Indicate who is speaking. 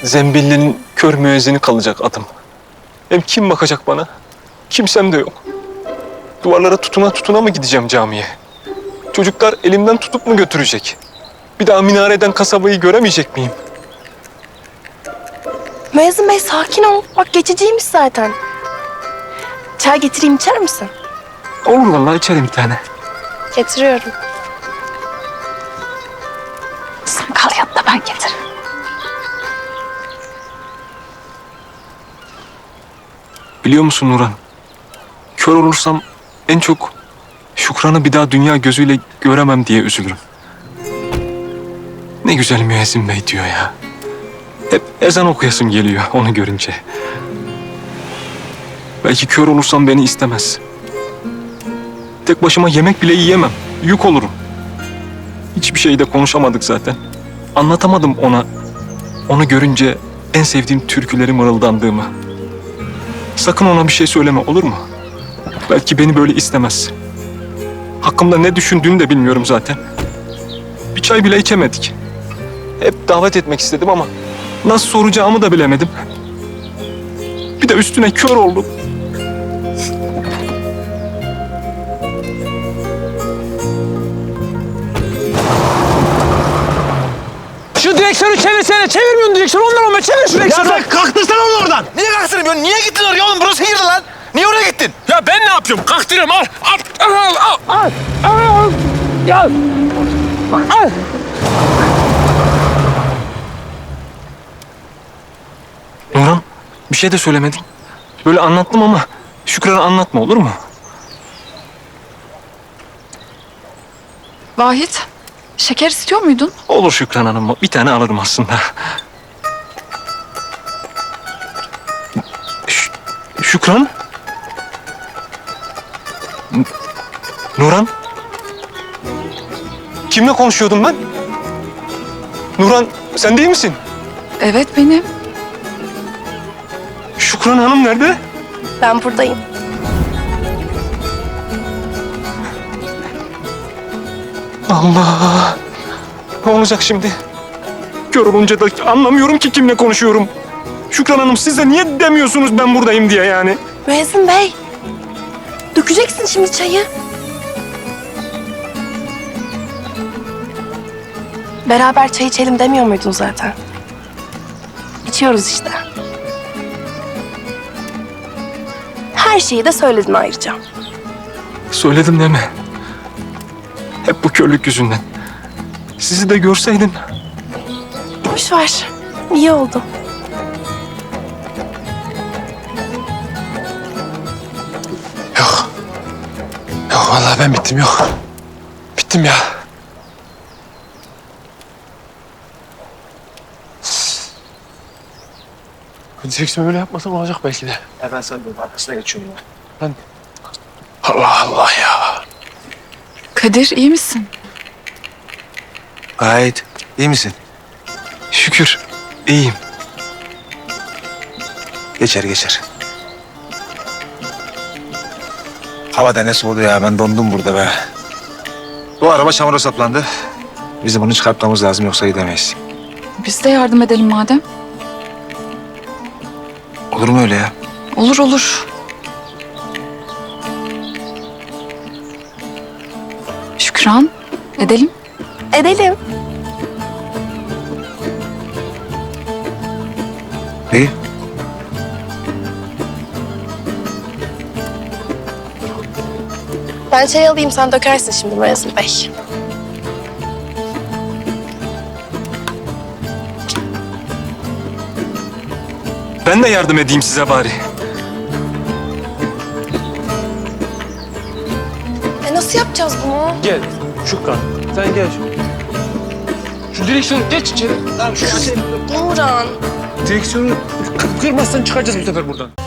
Speaker 1: Zembillinin kör müezzini kalacak adım. Hem kim bakacak bana? Kimsem de yok. Duvarlara tutuna tutuna mı gideceğim camiye? Çocuklar elimden tutup mu götürecek? Bir daha minareden kasabayı göremeyecek miyim?
Speaker 2: Müezzin Bey sakin ol. Bak geçiciymiş zaten. Çay getireyim, içer misin?
Speaker 1: Olur vallahi, içerim bir tane.
Speaker 2: Getiriyorum.
Speaker 3: Sen kal yanında, ben getiririm.
Speaker 1: Biliyor musun Nurhan? Kör olursam en çok Şükran'ı bir daha dünya gözüyle göremem diye üzülürüm. Ne güzel müezzin bey diyor ya. Hep ezan okuyasım geliyor onu görünce. Belki kör olursam beni istemez. Tek başıma yemek bile yiyemem. Yük olurum. Hiçbir şey de konuşamadık zaten. Anlatamadım ona. Onu görünce en sevdiğim türküleri mırıldandığımı. Sakın ona bir şey söyleme, olur mu? Belki beni böyle istemez. Hakkımda ne düşündüğünü de bilmiyorum zaten. Bir çay bile içemedik. Hep davet etmek istedim ama nasıl soracağımı da bilemedim. Bir de üstüne kör oldum.
Speaker 4: Şu direksiyonu çevirsene. Çevirmiyorsun direksiyonu. Ondan olma. Çevir şu direksiyonu.
Speaker 5: Ya sen kalktırsana onu oradan. Niye kalktırmıyorsun? Niye gittin oraya oğlum? Burası girdi lan. Niye oraya gittin?
Speaker 4: Ya ben ne yapıyorum? Kalktırıyorum. Al. Ya. Al.
Speaker 1: Nurhan, bir şey de söylemedin. Böyle anlattım ama Şükran'a anlatma, olur mu?
Speaker 3: Vahit, şeker istiyor muydun?
Speaker 1: Olur Şükran Hanım, bir tane alırım aslında. Şükran? Nurhan? Kimle konuşuyordum ben? Nurhan, sen değil misin?
Speaker 3: Evet, benim.
Speaker 1: Şükran Hanım nerede?
Speaker 2: Ben buradayım.
Speaker 1: Allah! Ne olacak şimdi? Kör olunca da anlamıyorum ki kimle konuşuyorum. Şükran Hanım, siz de niye demiyorsunuz ben buradayım diye yani?
Speaker 2: Müezzin Bey. Dökeceksin şimdi çayı. Beraber çay içelim demiyor muydun zaten? İçiyoruz işte. Her şeyi de söyledin ayrıca.
Speaker 1: Söyledim değil mi? Hep bu körlük yüzünden. Sizi de görseydim.
Speaker 2: Boş ver. İyi oldu.
Speaker 5: Yok. Yok vallahi ben bittim yok. Bittim ya. Direksiyon böyle yapmasam olacak belki de.
Speaker 6: Ben sana bir arkasına geçiyorum ya.
Speaker 5: Allah Allah ya.
Speaker 3: Kadir, iyi misin?
Speaker 6: Gayet. İyi misin?
Speaker 1: Şükür iyiyim.
Speaker 6: Geçer geçer. Hava da ne soğudu ya. Ben dondum burada be. Bu araba çamura saplandı. Bizim bunu çıkartmamız lazım yoksa gidemeyiz.
Speaker 3: Biz de yardım edelim madem.
Speaker 6: Olur mu öyle ya?
Speaker 3: Olur olur. Şükran, edelim.
Speaker 2: Edelim.
Speaker 6: İyi.
Speaker 2: Ben çay alayım, sen dökersin şimdi Müezzin Bey.
Speaker 1: Ben de yardım edeyim size bari.
Speaker 2: Nasıl yapacağız bunu?
Speaker 4: Gel. Şükran. Sen gel. Şu direksiyonu geç içeri.
Speaker 5: Tamam şu
Speaker 2: Nurhan.
Speaker 4: Direksiyonu kırmazsan çıkacağız bu sefer buradan.